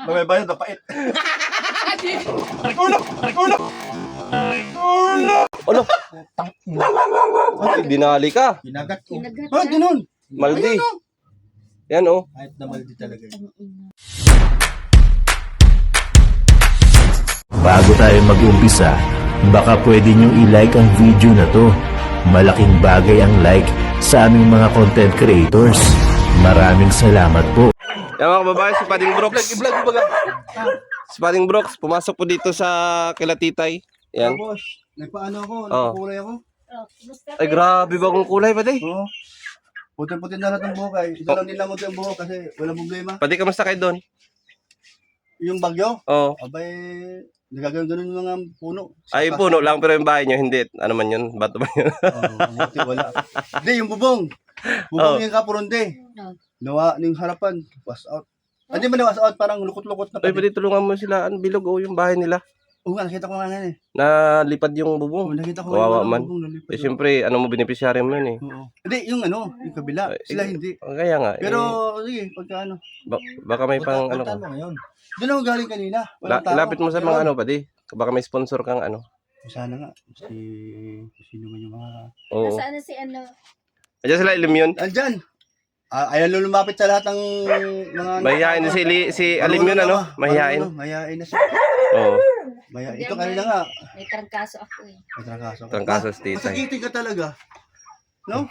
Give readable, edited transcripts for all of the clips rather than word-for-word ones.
Mabaybayad na pait. Arikulo! Arikulo! Ano? Ay, dinali ka. Ginagat ko. Kinagat Ah, ganun. Maldi. Ayun, oh. Yan oh. Kahit na maldi talaga yun. Bago tayo mag-umpisa, baka pwede nyo i-like ang video na to. Malaking bagay ang like sa aming mga content creators. Maraming salamat po. Yan mga kababayan, si Pading Brooks. I-vlog mo baga. Si Pading Brooks, pumasok po dito sa kila Titay. Yan. Tapos, nagpaano ako, Oh. nagpakulay ako. Oh, kumusta Ay, grabe bagong kulay, Padi. Oo. Puti-puti na lahat ng buhok ay. Ito lang din lang yung buhok kasi walang problema. Padi, kamusta kayo doon? Yung bagyo, Oo. abay, nagagano'n yung mga puno. Ay, puno lang, pero yung bahay nyo, hindi. Ano man yun? Bato man yun? Buti wala. Hindi, yung bubong. Bubong Oh. yung kapuronde. Oh. Nawa, yung harapan, was out. Hindi mo na was out, parang lukot-lukot na Ay, pa. Padi, tulungan mo sila. Ano, bilog, oh, yung bahay nila. Oo nga, nakita ko nga nga eh. Nalipad yung Oo, bubong. nakita ko Kawawa yung man. bubong nalipad. Eh, siyempre, ano mo, beneficiary mo yun eh. Oo. Hindi, yung ano, yung kabila. Sila hindi. Kaya nga. Pero, eh, sige, pagka ano. baka may pang, ano ka. mo ngayon. Doon ako galing kanina. Walang tao. Lapit mo sa Pero, mga ano, Padi. Baka may sponsor kang ano. Sana nga. Sino man yung mga... Oo. Nasaan na si ano? Ayan sila, ilim yun. Andyan. Ayan lumapit sa lahat ng mga... Mahihain si Alim yun, ano? Mahihain. Mahihain na siya. Oo. Ito kanina nga. May trangkaso ako eh. May trangkaso. Trangkaso sa titay. Masakitin ka talaga. No?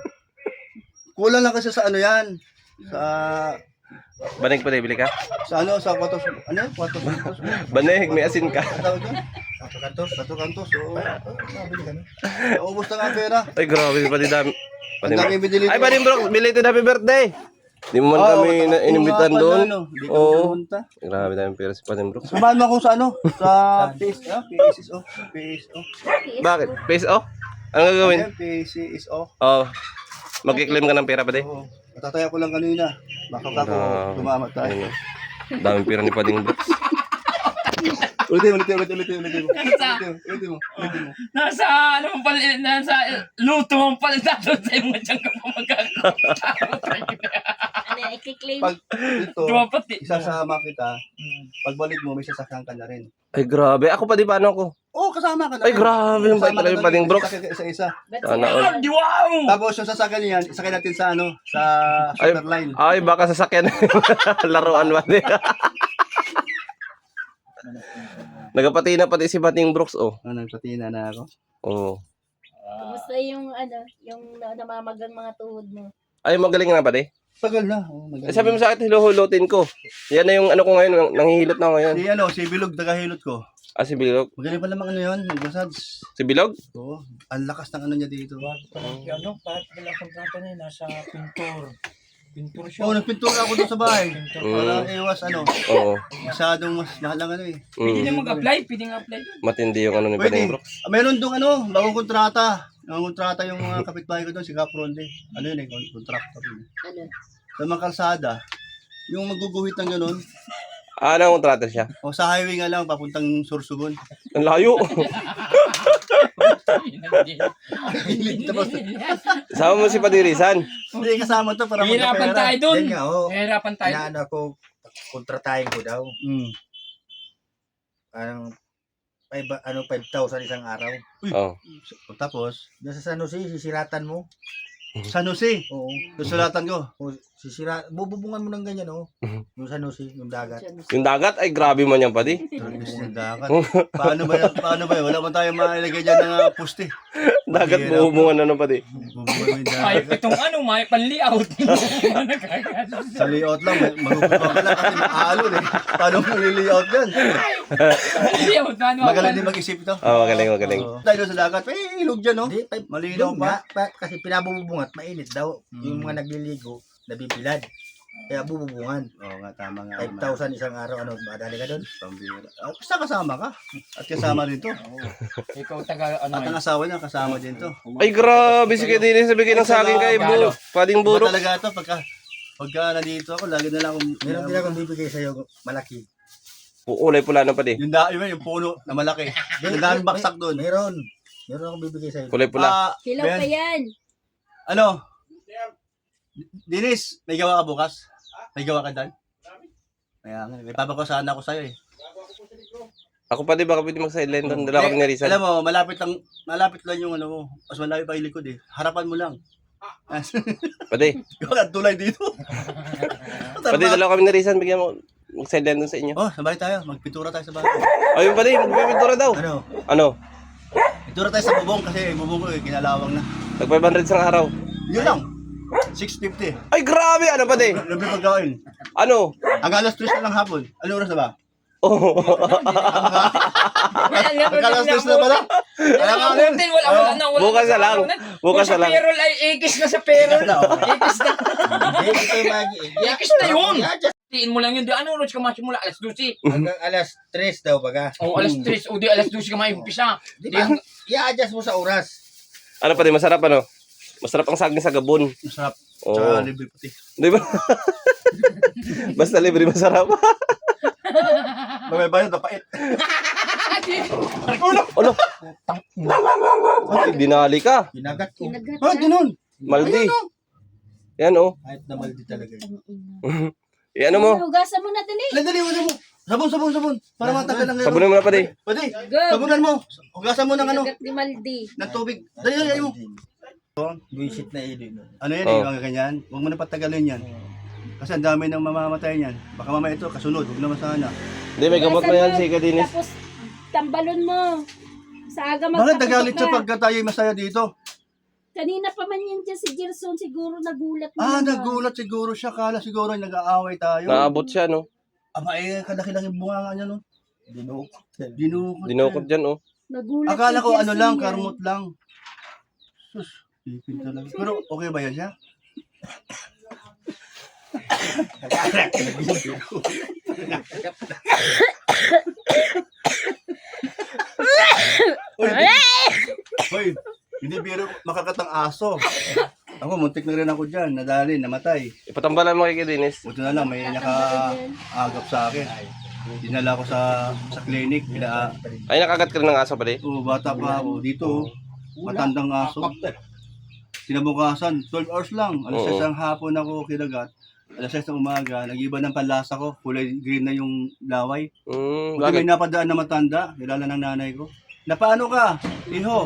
Kulang lang kasi sa ano yan. Sa... Banig pa bili ka? Sa ano, sa kwatos... Ano yun? Kwatos. Banig, may asin ka. Tawag doon? Kwatos. Oo. Nabili ka na. Naubos na nga ang pera. Ay, grabe, Padi dami. Ang dami binili. Ay, Padi Brooks, belated happy birthday! Di mo man kami inimbitan doon. Hindi ka Oo. pumunta. Grabe dami pera si Padi Brooks. Samahan mo ako sa ano? Sa PSO. Bakit? Face off? Ano gagawin? Ayan, PSO. Oh, mag-claim ka ng pera, Padi. Oo. Natataya ko lang kanina. Baka ako tumama tayo. Ayun, daming pera ni Pading Brooks. Ulitin mo. Nasa ano mo pala, nasa luto mo pala dato sa mo dyan ka pa magkakaroon. Ano yan, i-claim? Pag ito, Dumapati. isasama kita. Pagbalik mo, may sasakyan ka na rin. Ay, grabe. Ako, Padi, paano ako? Oo, kasama ka na Ay, grabe yung bait talaga yung Pading Brooks. Isa-isa. Ba't Sana sila- all. Wow! Tapos yung sasakyan niyan, isakay natin sa ano, sa Ay, shooter line. ay, baka sasakyan. Laruan ba? Nagpatina pati si Pading Brooks, oh. Nagpatina na ako. Oo. Kumusta yung ano, yung namamagang mga tuhod mo? Ay, magaling na, Padi. Tagal na. Oh, Eh, sabi mo sa akin, hiluhulutin ko. Yan na yung ano ko ngayon, nanghihilot na ako ngayon. Si Bilog, tagahilot ko. Ah, si Bilog. Magaling pa naman ano yun, nag-massage. Si Bilog? Oo, ang lakas ng ano niya dito. Ano, kahit wala kontrata niya, nasa pintor. Pintor siya. Oo, nagpintura ako doon sa bahay. Mm. Para iwas ano, Oo. masyadong mas lahat lang ano eh. Pwede Mm. na mag-apply, pwede nga apply. Matindi yung ano ni Pwede. Pading Brooks. Meron doon ano, bagong kontrata. Bagong kontrata yung mga kapitbahay ko doon, si Capronde. Ano yun eh, contractor yun. Ano? Sa mga kalsada, yung maguguhit ng gano'n, Ah, anong kontrata siya? o sa highway nga lang, papuntang Sorsogon. Ang layo. Tapos, Sama mo si Padirisan. hindi kasama to para Hirapan magkapera. tayo dun. Yan nga, oh. Hirapan tayo. Inaano ako, kontratahin ko daw. Mm. Parang 5,000 isang araw. Oh. Tapos, Diyan sa San Jose, sisiratan mo. San Jose, Oo. susulatan ko. O, bububungan mo ng ganyan, oh. Mhm. Yung San Jose, yung dagat. Yung dagat, ay grabe man yan, Padi. Imbis ng dagat. Paano ba yan? Wala man tayo mailagay dyan ng puste. Dagat Mahirap. buhubungan ano, Padi. Bubungan mo yung Ay, dagat. itong ano, may pan-layout. Sa layout lang, magugustuhan ka lang kasi maaalon eh. Paano mo layout yan? Layout na ano. Magaling din mag-isip ito. Oh, magaling. Oo. Tayo sa dagat, ilog dyan, no? Hindi, Malinaw yun pa. nga, kasi pinabubungat, mainit daw. Yung mga nagliligo, nabibilad. Kaya bububungan. Oo nga, tama nga. 5,000 isang araw, ano, madali ka doon. Pambira. Basta kasama ka. At kasama rin to. Ikaw taga ano. At ang asawa niya, kasama din to. Ay, grabe. Sige, din sa bigay ng saging kay Pading Iba Burok. talaga ito, pagka nandito ako, lagi na lang akong... Meron din akong bibigay sa'yo, malaki. Ulay pula na, Padi. Yung puno na malaki. Yung daming baksak doon. Meron akong bibigay sa'yo. Kulay pula. Hilaw pa yan. Ano? Dinis, may gawa ka bukas? May gawa ka dan? Kaya nga, may papakusahan ako sa'yo eh. Ako pa di baka pwede mag-sideline doon. Dala kami ni Rizal. Alam mo, malapit lang yung ano mo. Mas malapit pa yung likod eh. Harapan mo lang. Pwede. Yung ang tulay dito. Pwede dala kami ni Rizal. Bigyan mo mag-sideline doon sa inyo. Oh, sabay tayo. Magpintura tayo sa bahay. Ayun pa di. Magpipintura daw. Ano? Pintura tayo sa bubong kasi bubong ko eh, kinalawang na. Tag 500 sa araw. Yun lang. 650. Ay, grabe! Ano pa di? Libre pagkain. Ano? Ang alas 3 na lang hapon. Ano oras na ba? Oh. Ang alas 3 na pala. Kaya nga rin. Wala. Bukas na lang. Bukas na lang. Sa payroll ay ikis na sa payroll. Ikis na. Hindi, ito yung mag-i- Ikis na yun. Tiin mo lang yun. Di ano oras ka masimula? Alas 12. Hanggang alas 3 daw baga. O alas 3. O di alas 12 ka maimpisa. Di ba? I-adjust mo sa oras. Ano pa di? Masarap ano? Masarap ang saging sa Gabon. Masarap. Oo. Tsaka libre puti. Di ba? Basta libre masarap. May bayad na pait. Ano? Ay, dinali ka. Ginagat ko. Kinagat Ah, na. ganun. Maldi. Yan oh. Kahit na maldi talaga yun. Yan mo. Hugasan mo na dali. Dali, wala mo. Sabon. Para matagal lang ngayon. Sabunin mo na pa di. Pwede. Go. Sabunan mo. Hugasan mo ng ano. Kinagat ni Maldi. Ng tubig. Dali mo. Buisit na ilo. Ano yan Oh. mga ganyan? Huwag mo na patagalin yan. Kasi ang dami nang mamamatay niyan. Baka mamaya ito, kasunod. Huwag naman sana. Hindi, may gamot na yan si Kadinis. Tapos, tambalon mo. Sa aga Bakit magpaputok nagalit siya na. pagka tayo masaya dito? Kanina pa man yan dyan si Gerson. Siguro nagulat mo. Ah, naman. nagulat siguro siya. Kala siguro nag-aaway tayo. Naabot siya no. Aba eh, kalaki-laki bunga nga niya no. Dinukot. Dinukot. Dinukot dyan oh. Nagulat Akala si ko ano Gerson lang, yan. karmot lang. Sus, ipin talaga. Pero okay ba yan siya? Hoy, hindi biro makakatang aso. Ako, muntik na rin ako dyan. Nadali, namatay. Ipatambalan mo kay Kadinis. Buti na lang, may nakaagap sa akin. Dinala ko sa clinic. Ay, nakagat ka rin ng aso pa di. Bata pa ako. Dito, matandang aso. Kinabukasan, 12 hours lang. Alas 6 ng hapon ako kinagat. Alas 6 ng umaga, nag-iba ng panlasa ko. Kulay green na yung laway. Buti Bakit? may napadaan na matanda. Kilala ng nanay ko. Napaano ka? Iho.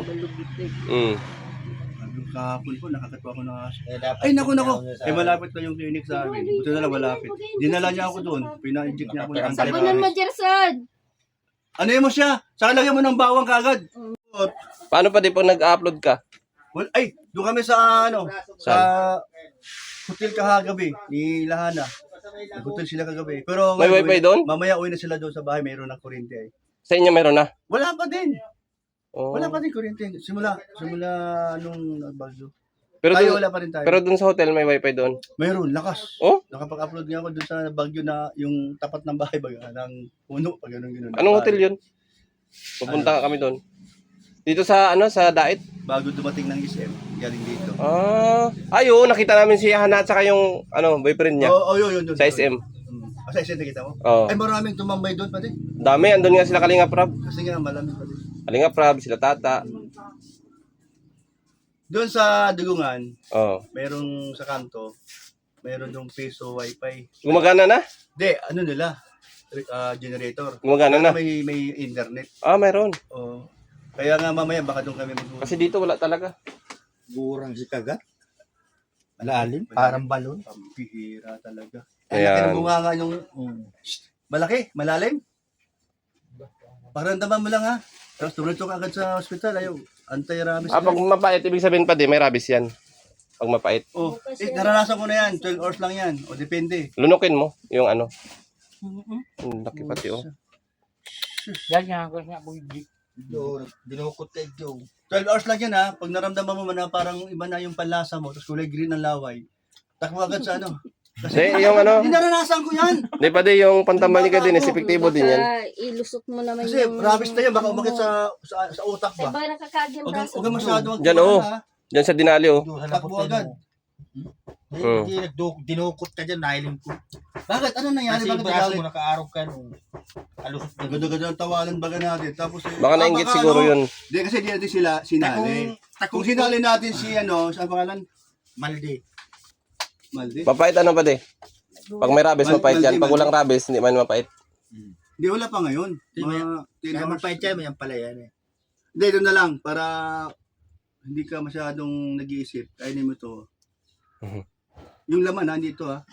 Kahapon ko, nakakatwa ko ng aso. Ay, naku. Malapit na yung clinic sa amin. Buti na lang malapit. Dinala niya ako doon. Pina-inject niya ako ng Sabunan mo, antibiotics. Gerson. Ano mo siya? Saka lagyan mo ng bawang kagad. Paano pa di pag nag-upload ka? Well, ay, doon kami sa sa hotel kahagabi ni Lahana. Nag-hotel sila kagabi. Pero May wifi doon? Mamaya uwi na sila doon sa bahay, mayroon ng kuryente ay. Sa inyo meron na? Wala pa din. Oh. Wala pa din kuryente. Simula nung nagbagyo. Pero Tayo dun, wala pa rin tayo. pero dun sa hotel may wifi doon. Mayroon, lakas. Oh? Nakapag-upload nga ako doon sa bagyo na yung tapat ng bahay baga ng puno pag ganun. Anong hotel yun? Pupunta kami doon. Dito sa sa Dait. Bago dumating ng SM, galing dito. Ayun, nakita namin si Hana at saka yung boyfriend niya Yun. sa SM. Sa SM nakita mo? Oh. Ay, maraming tumambay doon pa din. Dami, andun nga sila Kalinga Prab. Kasi nga malamig pa din. Kalinga Prab, sila Tata. Doon sa Dugungan, Oh. merong sa kanto, meron yung piso wifi. Gumagana na? Hindi, ano nila? Generator. Gumagana na. May internet. Meron. Oh. Kaya nga mamaya baka doon kami mag- Kasi dito wala talaga. Gurang si kagat. Malalim. Parang balon. Pambihira talaga. Ayan. Ayan. Bunga nga yung malaki, malalim. Pakiramdaman mo lang ha. Tapos tumunod ka agad sa hospital. Ayaw, anti-rabies. Pag mapait, ibig sabihin pa di, may rabies yan. Pag mapait. Naranasan ko na yan. 12 hours lang yan. O depende. Lunukin mo yung laki pati oh. Yan nga ako nga Dinukot kay Joe. 12 hours lang yan ha. Pag naramdaman mo man na parang iba na yung panlasa mo, tapos kulay green ang laway, takbo agad sa Hindi, yung Hindi naranasan ko yan. Hindi pa di, yung pantambal ni Kadinis, epektibo din yan. Ilusot mo naman Kasi rabies na yan, baka umakit sa utak Ay, ba? baka nakakagyan braso. Huwag masyado Diyan, oo. Diyan sa Dinali oh. Takbo agad. Hindi, dinukot ka dyan, nahiling ko. Bakit? Ano nangyari? Kasi yung Bakit braso nagalit? mo nakaarog ka nung alusot ka. Gado-gado ang tawanan baga natin. Tapos Baka nainggit siguro yun. Hindi kasi di natin sila sinali. Kung sinali natin si saan pangalan? Maldi. Maldi. Mapait pa di? Pag may rabies, mapait yan. Pag walang rabies, hindi man mapait. Hindi, wala pa ngayon. Mga 10 Kaya hours. magpahit yan pala yan eh. Hindi, doon na lang. Para hindi ka masyadong nag-iisip. Kainin mo to. Yung laman, nandito ha.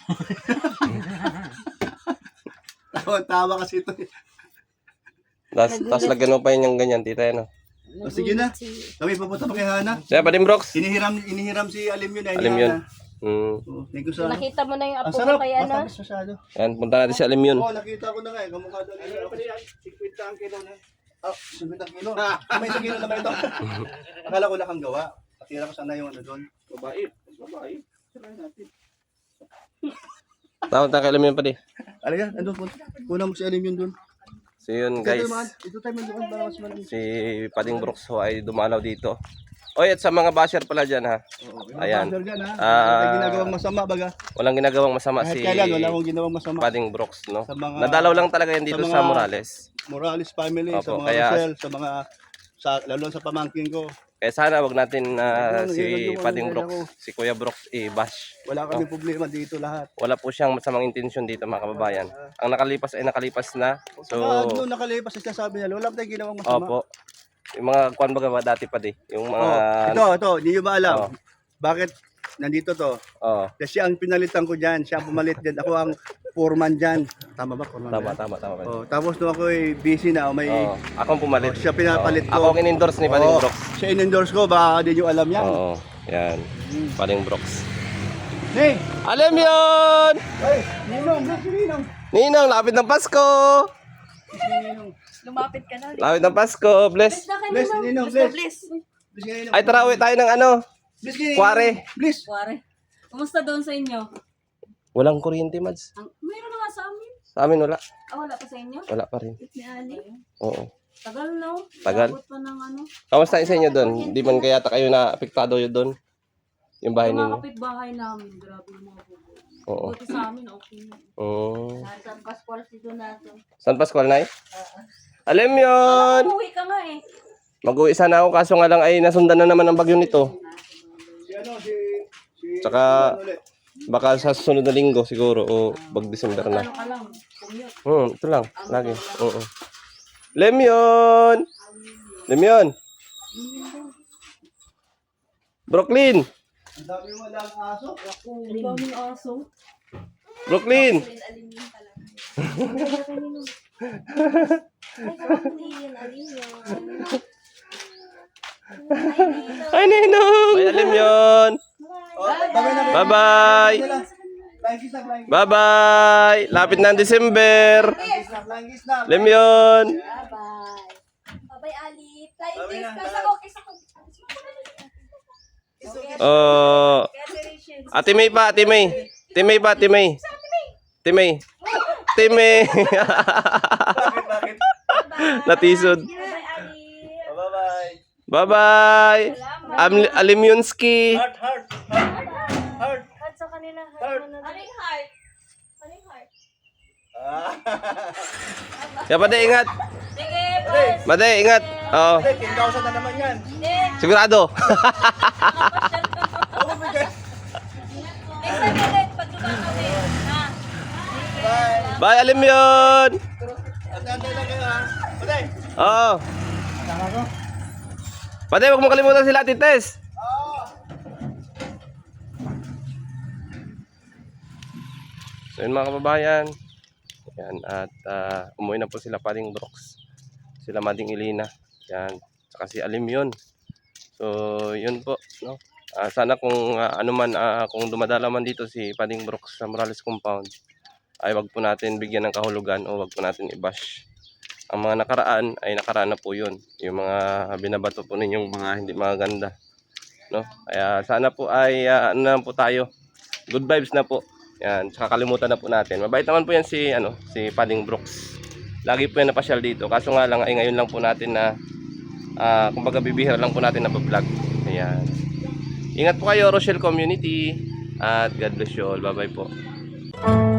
Tawa kasi ito. Tapos lagyan mo pa yun yung ganyan, tita yan. O sige na. Kami papunta pa kay Hana. Kaya Pading Brooks. Inihiram si Alim yun. Alim yun. Thank you sa ano. Nakita mo na yung Ang apo sarap. mo kay ano? Matamis masyado. Yan, punta natin si Alim yun. Oo, nakita ko na nga eh. Kamukha doon. 50 ang kilo na. 50 ang kilo. May isang kilo na ba ito? Akala ko lang kang gawa. Akira ko sana yung ano doon. Babae. Try natin. Tawag tayo kay Alim yun pa di. Alaga, andun po. Kuna mo si Alim yun doon. So yun guys, Ito tayo man doon para mas malamig. si Pading Brooks ho ay dumalaw dito. Oy, at sa mga basher pala dyan ha. Ayan. May ginagawang masama baga. Walang ginagawang masama Kahit si kailan, wala akong ginawang masama. Pading Brooks, no? Sa mga- Nadalaw lang talaga yan dito sa sa mga- Morales. Morales family, sa Opo, mga kaya- Rosel, sa mga, lalo sa pamangkin ko. Kaya sana wag natin si yun, Pading yun, Brooks, si Kuya Brooks i-bash. Wala kami problema dito lahat. Wala po siyang masamang intensyon dito mga kababayan. Ang nakalipas ay nakalipas na. So, So, doon nakalipas sa sabi niya, wala tayong ginawang masama. opo. Yung mga kwan baga dati pa di. Yung mga Ito, hindi nyo ba alam? Oh. Bakit nandito to? oh, Kasi ang pinalitan ko dyan, siya ang pumalit dyan. Ako ang foreman dyan. Tama ba? Foreman ba tama. yan? Tapos nung ako busy na, may Akong pumalit. siya pinapalit ko. Ako ang in-endorse ni Pading Oo, Brooks. siya in-endorse ko, baka di nyo alam yan. Oo. Yan. Pading Brooks. Hey! Alam yun! Hey! Ninong! Ninong! Ninong, lapit ng Pasko! Lumapit ka na. Lapit ng Pasko. Bless. Bless, Ninong! Bless! Bless nga, Ninong! Ay, tara, uwi tayo ng ano. Bless nga, Ninong! Kuwari. Bless! Kuwari. Kumusta doon sa inyo? Walang kuryente, Mads. Mayroon na nga sa amin. Sa amin wala. Wala pa sa inyo? Wala pa rin. Ni Ali. Oo. Tagal no? Tagal. Abot pa ng ano. Kamusta sa inyo doon? Di man kaya kayo na apektado yun doon? Yung bahay Yung mga ninyo? kapitbahay namin. Grabe yung mga bubo. Oo. Buti sa amin, okay na. San Pascual si Donato. San Pascual na Alam yun! Umuwi ka nga eh. Mag-uwi sana ako kaso nga lang ay nasundan na naman ang bagyo nito. Si ano, si Tsaka ano ulit? baka sa susunod na linggo siguro o pag-December na. Ano ka lang? Commute. Ito lang. Lagi. Oo. Lemyon! Lemyon! Brooklyn! Ang dami mo lang aso. Ang daming aso. Brooklyn! Ay, Ninong! Ay, Lemyon! Bye-bye! Flying kiss na, flying kiss. Bye-bye! Lapit na ang December! Flying kiss na. Lemyon! Bye-bye. Bye-bye, Ali. Flying Bye-bye kiss na. ka sa kiss ako. Oh, Ate May pa, Ate May. Ate May pa, Ate May. Ate May. Ate May. Bakit? Natisod. Bye-bye, Ali. Bye-bye. Bye-bye. Alimyonski. Heart, heart, heart, heart. Heart sa kanila. Heart. Aling heart? Aling heart? Kaya Pade, ingat. Sige, bye. Pade, ingat. Oo. 10,000 na naman yan. Sigurado. Ako bigas. Next time ulit, pag kami. Ha? Bye. Bye, Alimyon. Antay lang kayo ha. Patay. Oo. Pade, huwag mo kalimutan sila, Ate Tess. So yun mga kababayan. Yan, at umuwi na po sila Pading Brooks. Sila Mading Ilina. Yan, saka si Alimyon. So yun po, no. Sana kung kung dumadala man dito si Pading Brooks sa Morales Compound, ay wag po natin bigyan ng kahulugan o wag po natin i-bash. Ang mga nakaraan ay nakaraan na po yun. Yung mga binabato po ninyong mga hindi maganda, no. Kaya sana po ay ano na po tayo. Good vibes na po. Yan, tsaka kalimutan na po natin. Mabait naman po yan si Pading Brooks. Lagi po yan napasyal dito. Kaso nga lang ay ngayon lang po natin na kumbaga bibihira lang po natin na vlog. Ayan. Ingat po kayo, Rochelle Community. At God bless you all. Bye-bye po.